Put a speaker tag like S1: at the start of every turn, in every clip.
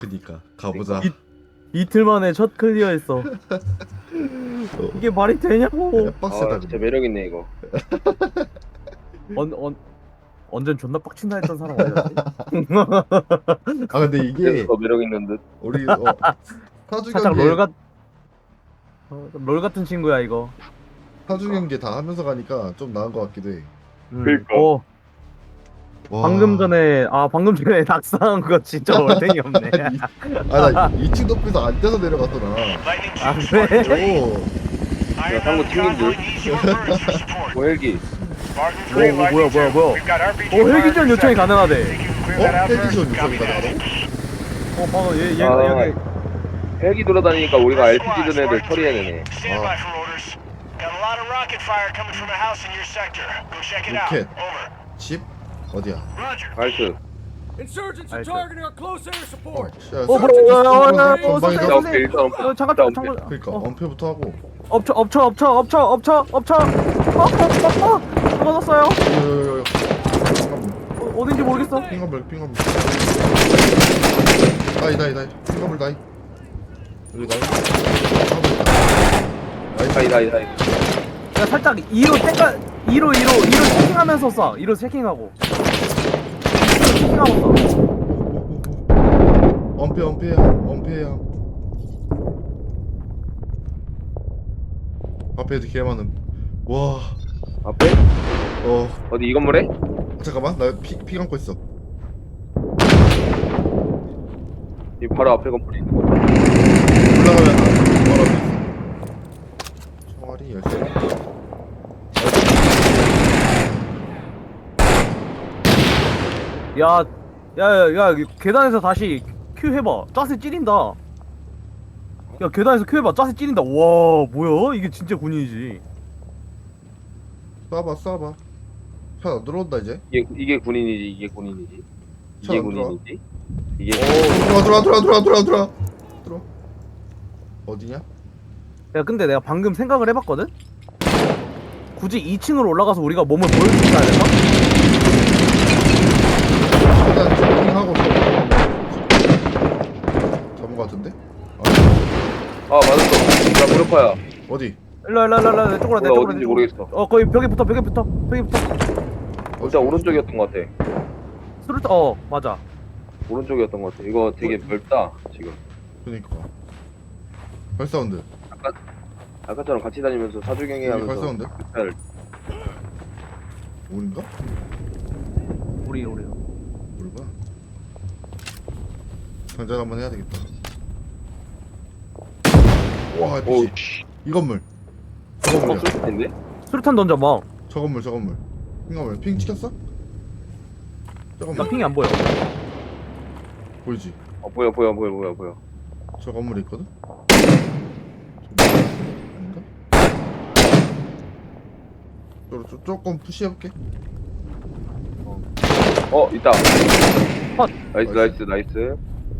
S1: 그니까 가보자.
S2: 이틀 만에 첫 클리어했어. 이게 말이 되냐고.
S1: 빡세다.
S3: 진짜 매력있네 이거.
S2: 언젠 존나 빡친다 했던 사람 어디였지?
S1: 아 근데 이게
S3: 그래서 더 매력있는 듯.
S1: 우리 사주
S2: 살짝
S1: 경기
S2: 롤 같은 친구야 이거.
S1: 사주 경기 다 하면서 가니까 좀 나은 것 같기도 해.
S3: 그러니까.
S1: 와.
S2: 방금 전에 낙사한 거 진짜 얼탱이 없네.
S1: 아나 2층 높이서 안 떼서 내려갔구나.
S2: 아 그래?
S1: 오.
S3: 야, 상구 튕긴 듯. 뭐 헬기.
S2: 뭐야? 헬기전 요청이 가능하대.
S1: 헬기전 요청이 가능하다고?
S2: 방금 얘가 여기.
S3: 헬기 돌아다니니까 우리가 RPG 든 애들 처리해내네.
S1: 로켓. 집? 어디야?
S3: 알트.
S4: Insurgents are targeting our close air support.
S1: 전방이죠?
S3: 자, 오케이, 일단 엄폐.
S2: 잠깐.
S1: 그러니까 엄폐부터 하고.
S2: 엎쳐. 떨어졌어요. 어딘지 모르겠어.
S1: 핑거물. 나이. 핑거물 나이. 여기 나이.
S3: 다이.
S2: 야 살짝 2로 체킹하면서 쏴. 2로 체킹하고. 체킹하고 쏴.
S1: 엄폐야. 앞에도 개 많음. 와.
S3: 앞에? 어디 이 건물에?
S1: 잠깐만 나 피 감고 있어.
S3: 이 바로 앞에 건물에 있는 거.
S1: 올라가면 바로 앞에 있어. 총알이 10개.
S2: 야, 계단에서 다시 큐 해봐. 짜세 찌린다. 야, 계단에서 큐 해봐. 짜세 찌린다. 와, 뭐야? 이게 진짜 군인이지.
S1: 쏴봐. 편 들어온다 이제.
S3: 이게 군인이지. 이게
S1: 들어와.
S3: 군인이지. 이게
S1: 들어와. 어디냐?
S2: 야, 근데 내가 방금 생각을 해봤거든? 굳이 2층으로 올라가서 우리가 몸을 보여주지 않을까?
S1: 일단 쇼핑하고 잡은 거 같은데?
S3: 아 맞았어. 나 무릎파야.
S1: 어디?
S2: 일로, 내 쪽으로, 내 쪽으로.
S3: 어딘지 모르겠어.
S2: 거의 벽에 붙어.
S3: 일단 오른쪽이었던 것 같아.
S2: 맞아.
S3: 오른쪽이었던 것 같아. 이거 되게 넓다 지금.
S1: 그니까 발사운드.
S3: 아까처럼 같이 다니면서 사주경이
S1: 여기
S3: 하면서
S1: 발사운드?
S3: 잘
S1: 우린가?
S2: 우리.
S1: 우리가 장전 한번 해야 되겠다. 와
S3: 오우
S1: 미치.
S3: 씨.
S1: 이 건물. 저 건물이야.
S3: 쏠 텐데?
S2: 수류탄 던져, 막.
S1: 저 건물. 핑 핑 찍혔어? 저
S2: 나
S1: 건물
S2: 핑이 안 보여.
S1: 보이지?
S3: 보여.
S1: 저 건물에 있거든? 아닌가? 조금 푸시해볼게.
S3: 있다.
S2: 컷.
S3: 나이스.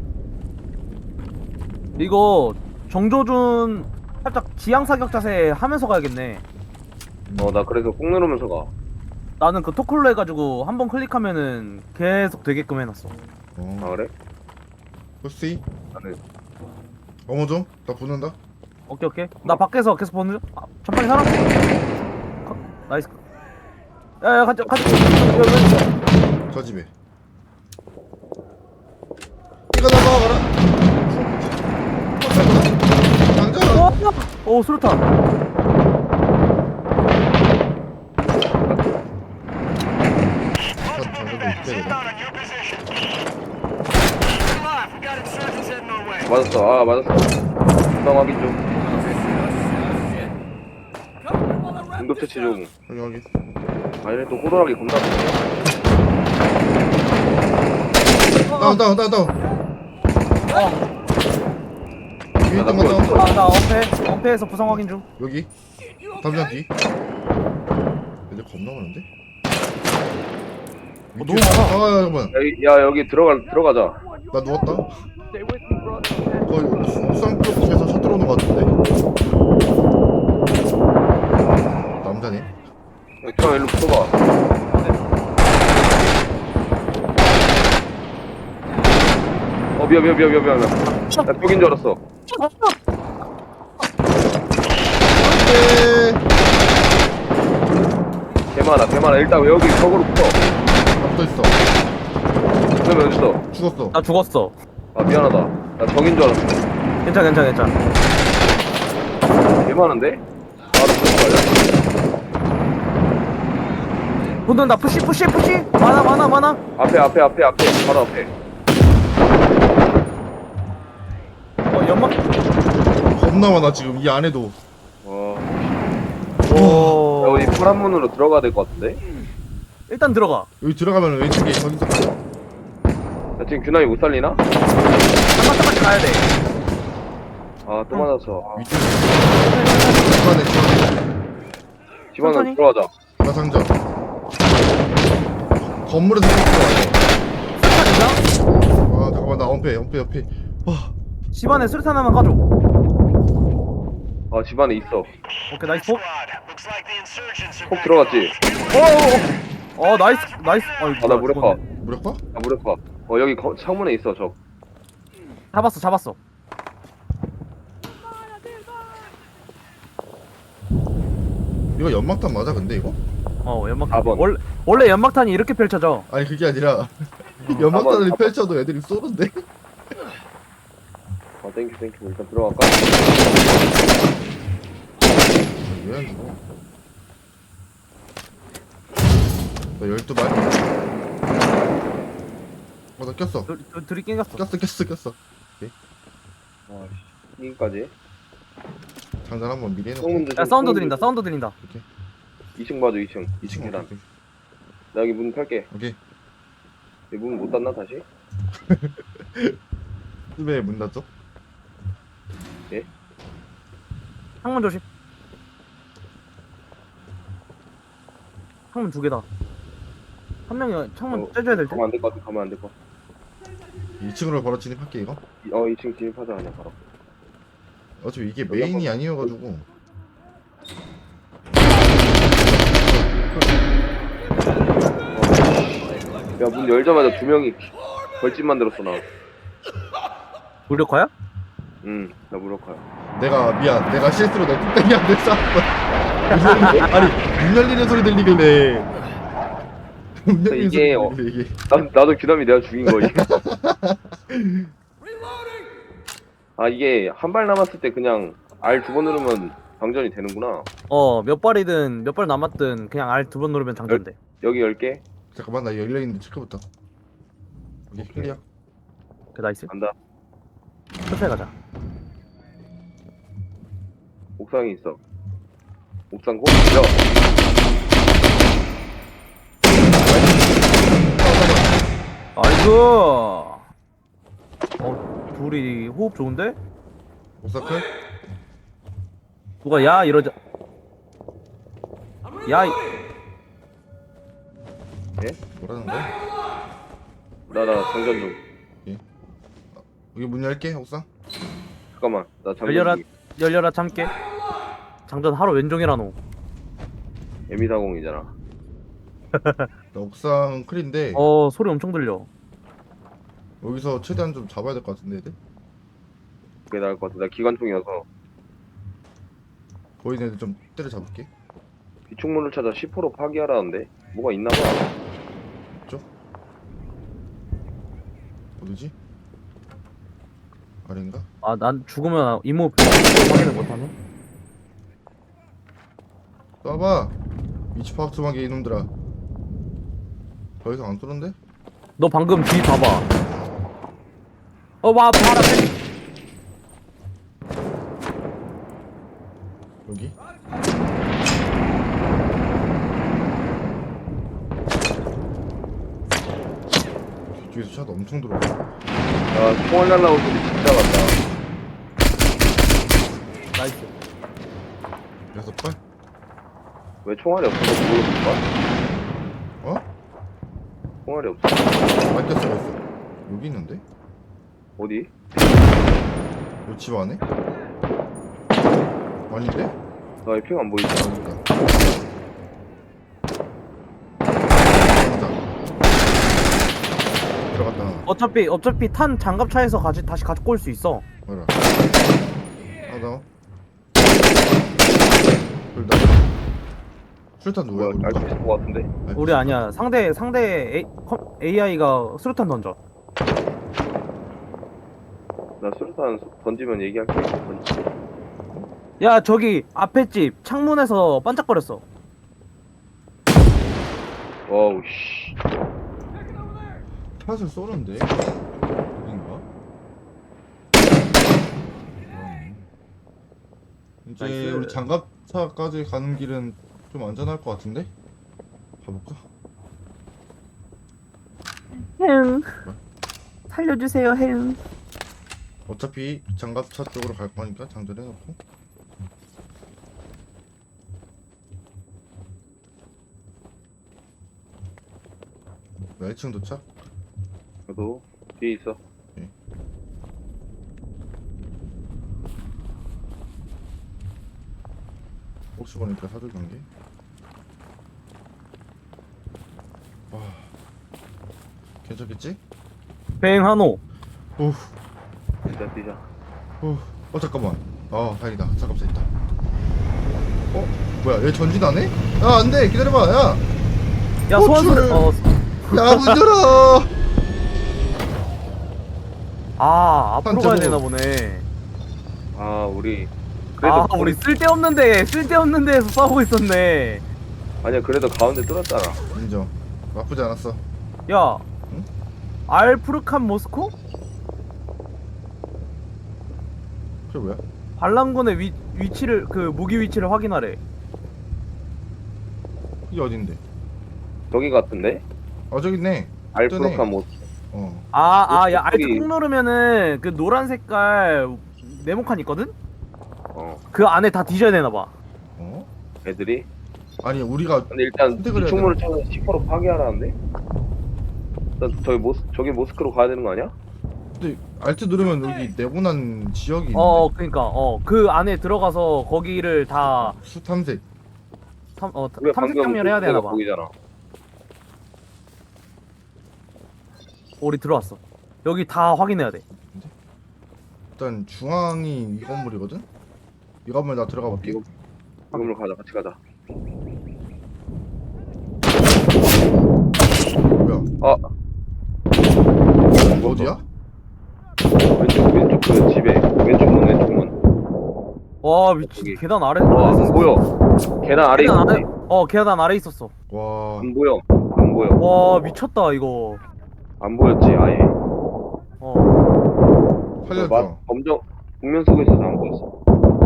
S2: 이거 정조준 살짝 지향 사격 자세 하면서 가야겠네.
S3: 나 그래서 꾹 누르면서 가.
S2: 나는 그 토클로 해가지고 한번 클릭하면은 계속 되게끔 해놨어.
S3: 아 그래?
S1: 푸시.
S3: 나는
S1: 어머 좀. 나 붙는다.
S2: 오케이. 나 밖에서 계속 보는 중. 전방에 사람. 나이스. 야, 가자.
S1: 저 집에. 이거 나가라. 당장.
S2: 오, 수류탄.
S3: 맞았어. 부상 확인 좀. 응급 처치 중.
S1: 여기.
S3: 얘네 또 호루라기 겁나
S1: 다운. 위에 있던 거 다운.
S2: 나 엄폐에서 부상 확인 중.
S1: 여기. 담장 뒤. 얘들 겁나 많은데?
S2: 너무 많아.
S1: 잠깐만.
S3: 여기 들어가자.
S1: 나 누웠다. 거의 옥상 쪽에서 샷 들어오는 거 같은데. 남자네.
S3: 형 일로 붙어봐. 미안. 나 벽인 줄 알았어.
S1: 네.
S3: 개많아. 일단 여기 벽으로 붙어.
S1: 붙어 있어.
S3: 그러면 어딨어?
S1: 죽었어.
S2: 나 죽었어.
S3: 아, 미안하다. 나 벽인 줄 알았어.
S2: 괜찮아.
S3: 개많은데? 바로 붙어.
S2: 붙는다. 푸시. 많아.
S3: 앞에. 바로 앞에.
S2: 연막.
S1: 겁나 많아 지금 이 안에도.
S3: 야, 우리 파란 문으로 들어가야 될 것 같은데?
S2: 일단 들어가.
S1: 여기 들어가면 왼쪽에 저기서
S3: 야, 지금 규남이 못 살리나?
S2: 한마터까지 가야 돼.
S3: 아, 또 맞았어. 아,
S1: 위쪽에 집안에
S3: 집 안으로
S2: 천천히.
S3: 들어가자.
S1: 가상점. 건물에서 들어가야 와 잠깐만 나 엄폐. 와
S2: 집안에 수류탄 하나만 가져.
S3: 아, 집 안에 있어.
S2: 오케이, 나이스.
S3: 폭 들어갔지?
S2: 나이스.
S3: 아, 나 무력화.
S1: 무력화?
S3: 나 무력화. 여기 창문에 있어, 저.
S2: 잡았어.
S1: 이거 연막탄 맞아 근데 이거?
S2: 연막탄.
S3: 4번.
S2: 원래 연막탄이 이렇게 펼쳐져.
S1: 아니 그게 아니라 연막탄을
S3: 4번.
S1: 펼쳐도 애들이 쏘는데?
S3: 아, 땡큐. 일단 들어갈까?
S1: 왜 안 죽어? 나 12발? 나 꼈어.
S2: 둘이 낑겼어.
S1: 꼈어.
S3: 아, 여기까지.
S1: 장난 한번 미리 해놓고.
S3: 창문도
S2: 야,
S3: 좀-
S2: 사운드 들린다.
S1: 오케이.
S3: 2층 봐줘, 2층.
S1: 2층
S3: 계단.
S1: 오케이.
S3: 나 여기 문 펼게.
S1: 오케이.
S3: 문 못 닫나, 다시?
S1: 왜 문 닫죠?
S2: 창문 조심. 창문 2개다. 한 명이 창문 째줘야 될 때.
S3: 가면 안 될 것 같아, 가면 안 될 것 같아.
S1: 2층으로 바로 진입할게 이거.
S3: 2층 진입하자, 그냥 바로.
S1: 어차피 이게
S3: 여기
S1: 메인이
S3: 한번-
S1: 아니어가지고.
S3: 야, 문 열자마자 2명이 벌집 만들었어, 나.
S2: 무력화야?
S3: 나 무력화야.
S1: 내가 실수로 내 뚝배기한테 쐈어. 아니 문 열리는 소리 들리길래. 문 열리는
S3: 이게,
S1: 소리 들리길래 이게.
S3: 나도 규남이 내가 죽인 거지. 아, 이게 한 발 남았을 때 그냥 R 2번 누르면 방전이 되는구나.
S2: 몇 발이든 몇 발 남았든 그냥 R 2번 누르면 장전돼.
S3: 여기 10개?
S1: 잠깐만 나 열려있는데 체크부터. 오케이 클리어.
S2: 그 나이스.
S3: 간다.
S2: 천천히 가자.
S3: 옥상에 있어. 옥상 고? 야!
S2: 나이스. 둘이 호흡 좋은데?
S1: 옥사클?
S2: 누가 야 이러자. 야.
S1: 뭐라는 거야?
S3: 나 장전 좀.
S1: 여기 문 열게 옥상.
S3: 잠깐만. 나 장전
S2: 열려라.
S3: 중.
S2: 열려라 참깨. 장전 하루 왼종이라노.
S3: M240이잖아.
S1: 나 옥상 클인데
S2: 소리 엄청 들려.
S1: 여기서 최대한 좀 잡아야 될 것 같은데 애들?
S3: 그게 나을 것 같아. 나 기관총이어서.
S1: 보이는 애들 좀 때려잡을게.
S3: 비축문을 찾아 10% 파기하라는데? 뭐가 있나봐.
S1: 어디지? 아래인가?
S2: 난 죽으면 이모 확인을 못하네.
S1: 쏴봐. 위치 파악 좀 하게 이놈들아. 더 이상 안 쏘는데?
S2: 너 방금 뒤 봐봐. 와 바로 앞에.
S1: 여기? 뒤에서 샷 엄청 들어와.
S3: 야, 총알 날라온 소리 진짜 같다.
S2: 나이스.
S1: 6발?
S3: 왜 총알이 없어서 그걸로 볼까?
S1: 어?
S3: 총알이 없어.
S1: 맞겠어 있어. 여기 있는데?
S3: 어디?
S1: 요 집 안에? 아닌데?
S3: 나 이 핑 안 보이지?
S1: 아니다. 들어갔다.
S2: 어차피 탄 장갑차에서 다시 가지고 올 수 있어.
S1: 뭐라. 하나. 둘 다. 술탄 누구야?
S3: 뭐야 알 수 있을 것 같은데.
S2: 우리 아니야. 상대 AI가 수류탄 던져.
S3: 나 수류탄 던지면 얘기할게.
S2: 야 저기 앞에 집 창문에서 반짝거렸어.
S3: 와우 씨.
S1: 샷을 쏘는데? 어딘가? 이제
S2: 나이스.
S1: 우리 장갑차까지 가는 길은 좀 안전할 것 같은데? 가볼까?
S2: 행. 살려주세요 행.
S1: 어차피 장갑차 쪽으로 갈 거니까 장전해놓고. 나 1층 도착?
S3: 저도 뒤에 있어.
S1: 혹시 모르니까 사줄 관계. 와, 괜찮겠지?
S2: 뱅 한호.
S1: 오,
S3: 뛰자.
S1: 잠깐만. 다행이다. 장갑차 있다. 뭐야? 얘 전진 안 해? 야, 안 돼. 기다려봐. 야,
S2: 야
S1: 호출.
S2: 소환수.
S1: 야, 문 열어.
S2: 앞으로 가야
S1: 제목.
S2: 되나 보네.
S3: 아 우리 그래도
S2: 우리 쓸데없는 데에서 싸우고 있었네.
S3: 아니야 그래도 가운데 뚫었잖아.
S1: 인정. 나쁘지 않았어.
S2: 야,
S1: 응?
S2: 알프르칸 모스코?
S1: 그게 뭐야?
S2: 반란군의 위치를 무기 위치를 확인하래.
S1: 이게 어딘데?
S3: 저기 같은데?
S1: 저기 있네.
S3: 알프로칸 못.
S2: 야
S3: 저기-
S2: 알트 꾹 누르면은 그 노란 색깔 네모칸 있거든?
S3: 어
S2: 그 안에 다 뒤져야 되나 봐.
S3: 애들이.
S1: 아니, 우리가
S3: 근데 일단
S1: 선택을 해야
S3: 비축물을 찾아서 10% 파괴하라는데? 일단 저기 모스크로 가야 되는 거 아니야?
S1: 근데 알트 누르면 여기 네모난 지역이 있는데.
S2: 그니까 그 안에 들어가서 거기를 다
S1: 수탐색.
S3: 우리가
S2: 탐색
S3: 방금
S2: 장면 해야
S3: 그
S2: 되나
S3: 데가
S2: 봐.
S3: 거기잖아.
S2: 우리 들어왔어. 여기 다 확인해야 돼.
S1: 일단 중앙이 이 건물이거든? 이 건물 나 들어가 볼게.
S3: 이거 건물 가자 같이 가자.
S1: 뭐야? 어디야?
S3: 왼쪽 그 집에 왼쪽 문.
S2: 와 미친.
S3: 저기.
S2: 계단 아래.
S3: 안 보여. 계단 아래
S2: 계단 아래.
S3: 있었지.
S2: 계단 아래 있었어.
S1: 와,
S3: 안 보여.
S2: 와 미쳤다 이거.
S3: 안 보였지 아예.
S1: 살려줘.
S3: 검정 국면 속에 있어서 안 보였어.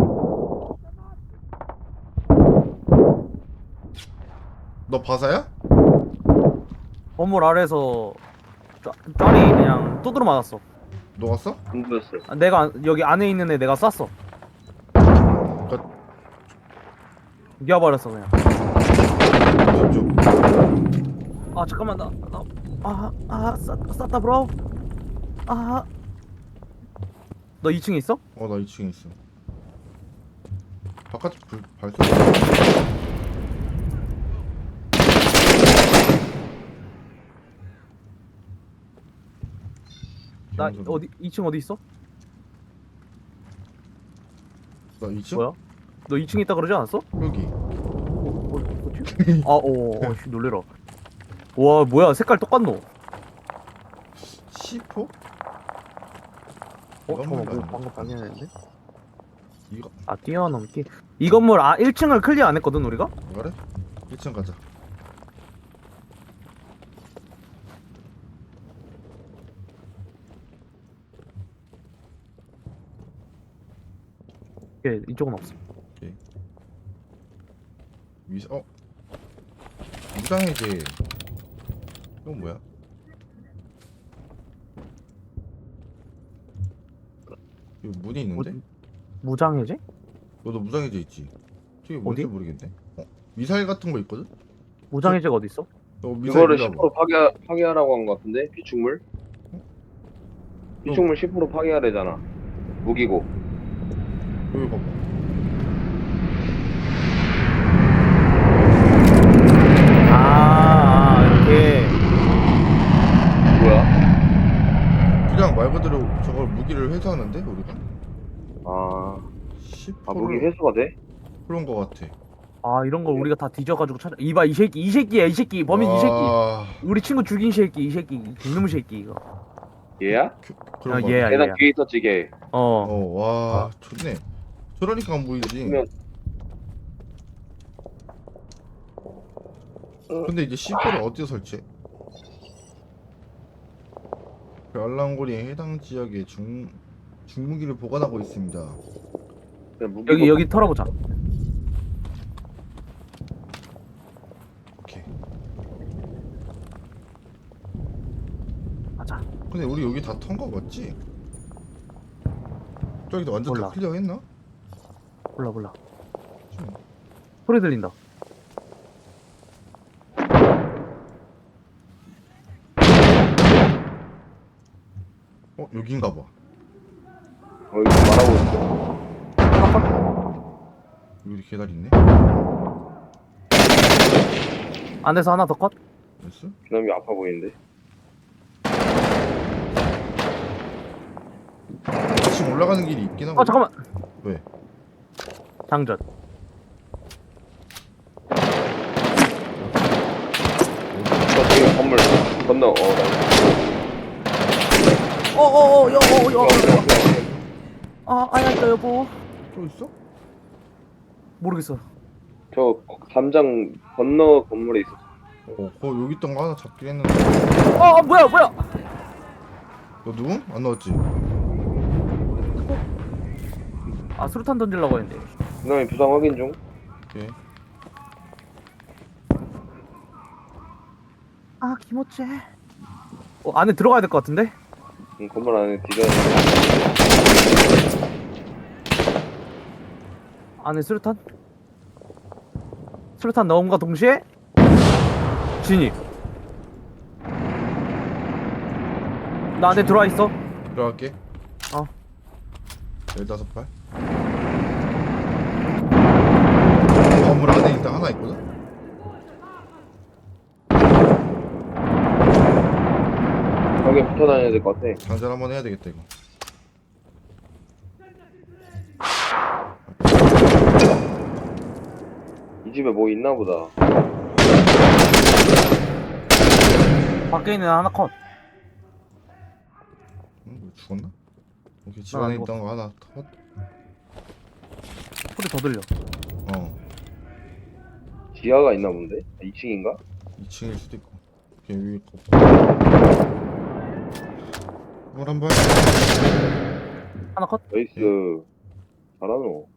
S1: 너 바사야?
S2: 건물 아래에서 짤이 그냥 두드러 맞았어.
S1: 녹았어?
S3: 안 보였어.
S2: 내가 여기 안에 있는 애 내가 쐈어. 이겨버렸어 그냥.
S1: 쪽.
S2: 잠깐만 쐈다 브로. 너 2층에 있어?
S1: 나 2층에 있어. 바깥에 불 밝혀.
S2: 나 어디 2층 어디 있어?
S1: 나 2층?
S2: 뭐야? 너 2층에 있다 그러지 않았어?
S1: 여기.
S2: 어디? 씨 놀래라. 와 뭐야 색깔 똑같노?
S1: C4?
S2: 잠깐만
S1: 건물
S2: 뭐 방금 발견했는데?
S1: 이거
S2: 뛰어넘기. 이 건물 1층을 클리어 안 했거든 우리가?
S1: 그래? 1층 가자.
S2: 이쪽은 없어.
S1: 무장해제. 이건 뭐야? 여기 문이 있는데?
S2: 무장해제?
S1: 너도 무장해제 있지? 저게 뭔지
S2: 어디?
S1: 모르겠네. 미사일 같은 거 있거든?
S2: 무장해제가 어디 있어?
S1: 너 미사일
S3: 이거를
S1: 밀어봐.
S3: 10% 파괴하라고 한 거 같은데 비축물? 비축물 10% 파괴하래잖아. 무기고.
S1: 여기 봐봐.
S2: 이렇게.
S3: 뭐야?
S1: 회수하는데 우리가?
S3: 아,
S1: 10%를
S3: 아 무기 회수가 돼?
S1: 그런 거 같아.
S2: 아 이런 거 우리가 다 뒤져가지고 찾아. 이봐 이 새끼 이 새끼야 이 새끼 범인 이 새끼.
S1: 와,
S2: 우리 친구 죽인 새끼 이 새끼 이놈의 새끼 이거.
S3: 얘야?
S1: 그런 거
S2: 얘야
S1: 같아.
S3: 계단
S2: 얘야.
S3: 뒤에 있었지 걔.
S2: 어.
S1: 와, 좋네. 저러니까 안 보이지.
S3: 그러면
S1: 근데 이제 C4를 어디서 설치해? 그 알랑고리의 해당 지역에 중무기를 보관하고 있습니다.
S3: 그냥 무기
S2: 여기 털어보자.
S1: 오케이.
S2: 가자.
S1: 근데 우리 여기 다 턴 거 맞지? 저기도 완전
S2: 몰라.
S1: 다 클리어했나?
S2: 몰라.
S1: 좀.
S2: 소리 들린다.
S1: 여긴가 봐.
S3: 여기 말하고 있어.
S1: 여기 계단 있네.
S2: 안에서 하나 더 컷.
S1: 됐어?
S3: 그놈이 아파 보이는데.
S1: 지금 올라가는 길이 있긴 하고.
S2: 잠깐만.
S1: 왜?
S2: 장전.
S3: 저기 건물 건너.
S2: 아야 있다 여보.
S1: 또 있어?
S2: 모르겠어.
S3: 저 담장 건너 건물에 있어.
S1: 여기 있던 거 하나 잡긴 했는데.
S2: 뭐야.
S1: 너 누구? 안 나왔지?
S2: 아 수류탄 던지려고 했는데.
S3: 그놈이 부상 확인 중.
S1: 오케이.
S2: 아 김어째. 안에 들어가야 될 것 같은데?
S3: 건물 안에 뒤져.
S2: 안에 수류탄? 수류탄 넣음과 동시에 진입. 나 안에 들어와 있어.
S1: 들어갈게. 15발. 건물 안에 일단 하나 있거든?
S3: 벽에 붙어 다녀야 될 것 같아.
S1: 장전 한번 해야 되겠다 이거.
S3: 이 집에 뭐 있나 보다.
S2: 밖에 있는 하나 컷.
S1: 뭐 죽었나? 오케이, 집
S2: 안
S1: 안에
S2: 죽었어.
S1: 있던 거 하나 컷.
S2: 소리 더 들려.
S3: 지하가 있나 본데? 2층인가?
S1: 2층일 수도 있고. 오케이, 위에 거. 건물 한 발.
S2: 하나 컷.
S3: 나이스. 잘하노.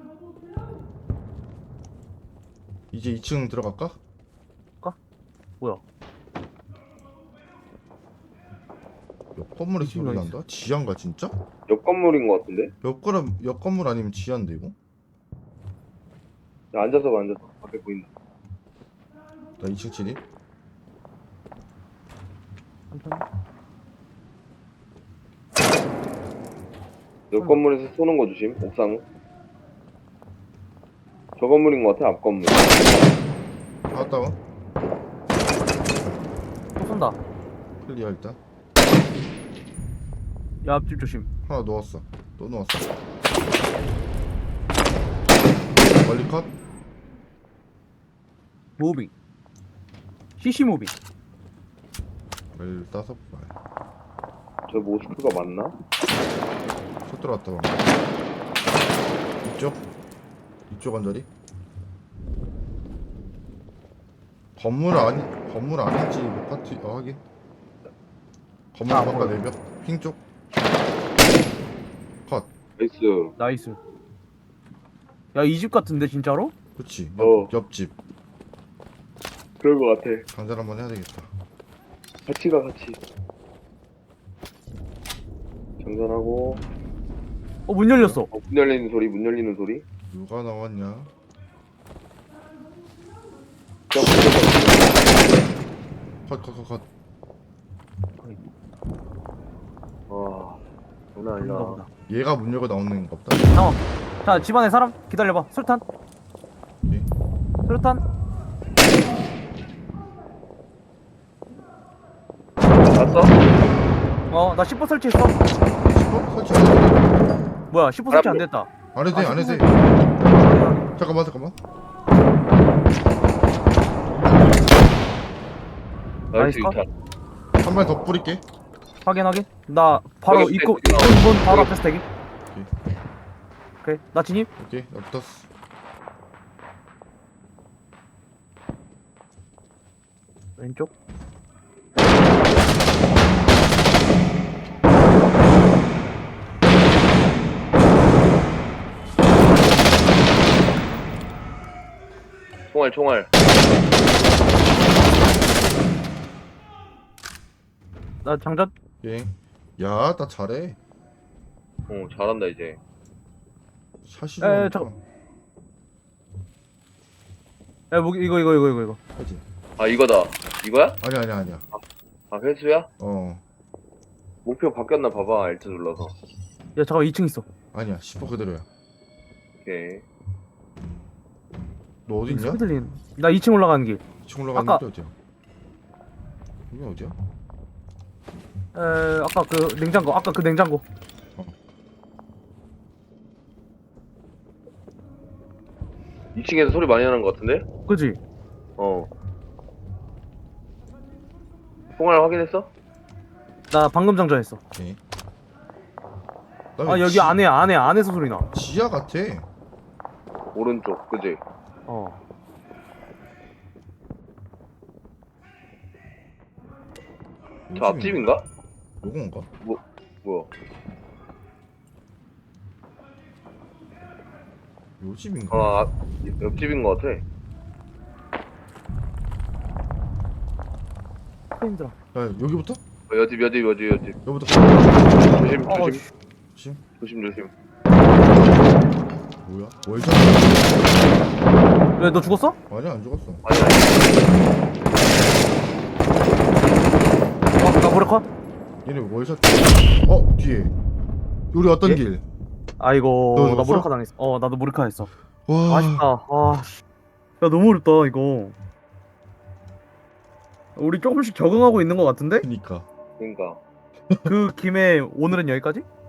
S1: 이제 2층 들어갈까?
S2: 뭐야?
S1: 옆 건물에 소리
S2: 어디
S1: 난다? 지하인가 진짜?
S3: 옆 건물인 것 같은데?
S1: 옆 건물 아니면 지하인데 이거?
S3: 야, 앉아서 봐, 앉아서. 밖에 보인다.
S1: 나 2층 진입.
S3: 옆 건물에서 쏘는 거 조심. 옥상. 저 건물인 것 같아, 앞 건물.
S1: 다운.
S2: 또 쏜다.
S1: 클리어 일단.
S2: 야 앞집 조심.
S1: 하나 넣었어. 또 넣었어. 멀리 컷.
S2: 무빙. CC 무빙.
S1: 15발.
S3: 저 모스크가 맞나?
S1: 첫 들어왔다 방금. 이쪽 언저리. 건물 아닌지 못 같이 확인. 건물
S2: 아,
S1: 바깥
S2: 보여.
S1: 내벽 핑 쪽. 컷.
S3: 나이스.
S2: 나이스. 야 이 집 같은데 진짜로?
S1: 그렇지.
S3: 어.
S1: 옆집.
S3: 그럴 것 같아.
S1: 강전 한번 해야 되겠다.
S3: 같이 가, 같이. 장전하고.
S2: 문 열렸어.
S3: 문 열리는 소리, 문 열리는 소리.
S1: 누가 나왔냐? 컷.
S3: 와, 장난
S2: 그런가
S3: 아니다.
S2: 보다.
S1: 얘가 문 열고 나오는 거 없다.
S2: 자 집안에 사람 기다려봐. 수류탄.
S1: 오케이.
S2: 수류탄.
S3: 났어?
S2: 나 10번 설치했어.
S1: 설치 안 했어?
S2: 뭐야 10% 설치 안 됐다.
S1: 안 해도 돼, 안 해도 돼. 잠깐만.
S3: 나이스
S2: 나이스 컷.
S3: 2탄.
S1: 한 발 더 뿌릴게.
S2: 확인. 나 바로
S3: 여기
S2: 입구
S3: 스택.
S2: 문 바로 앞에 스택이. 오케이 나 진입.
S1: 오케이, 나 붙었어.
S2: 왼쪽.
S3: 총알.
S2: 나 장전.
S1: 오케이. 야, 나 잘해.
S3: 잘한다 이제.
S1: 샷이
S2: 에,
S1: 좋아.
S2: 야 무기 이거.
S1: 하지.
S3: 아 이거다. 이거야?
S1: 아니야.
S3: 아 회수야?
S1: 어.
S3: 목표 바뀌었나 봐봐. Alt 눌러서.
S2: 야 잠깐 2층 있어.
S1: 아니야, 10% 그대로야.
S3: 오케이.
S1: 너 어디 있냐?
S2: 소리 들리는. 나 2층 올라가는 길.
S1: 2층 올라가는
S2: 아까-
S1: 게 어디야? 여기 어디야?
S2: 아까 그 냉장고.
S3: 2층에서 소리 많이 나는 것 같은데?
S2: 그지?
S3: 총알 확인했어?
S2: 나 방금 장전했어.
S1: 오케이.
S2: 아 여기 안에서 소리 나.
S1: 지하 같아.
S3: 오른쪽, 그지? 저 앞집인가?
S1: 요건가?
S3: 뭐야?
S1: 요 집인가?
S3: 아, 옆집인 것 같아.
S2: 힘들어.
S1: 야, 여기부터?
S3: 여집.
S1: 여기부터.
S3: 조심. 조심.
S1: 뭐야? 월샷?
S2: 왜 너 죽었어?
S1: 아니야, 안 죽었어.
S2: 나 모래컷?
S1: 얘네 월샷. 뒤에. 우리 어떤
S2: 예?
S1: 길?
S2: 아이고
S1: 너
S2: 나
S1: 죽었어?
S2: 모래컷 당했어. 나도 모래컷 했어.
S1: 와.
S2: 아쉽다. 야 너무 어렵다 이거. 우리 조금씩 적응하고 있는 것 같은데?
S1: 그니까.
S3: 그러니까.
S2: 그 김에 오늘은 여기까지?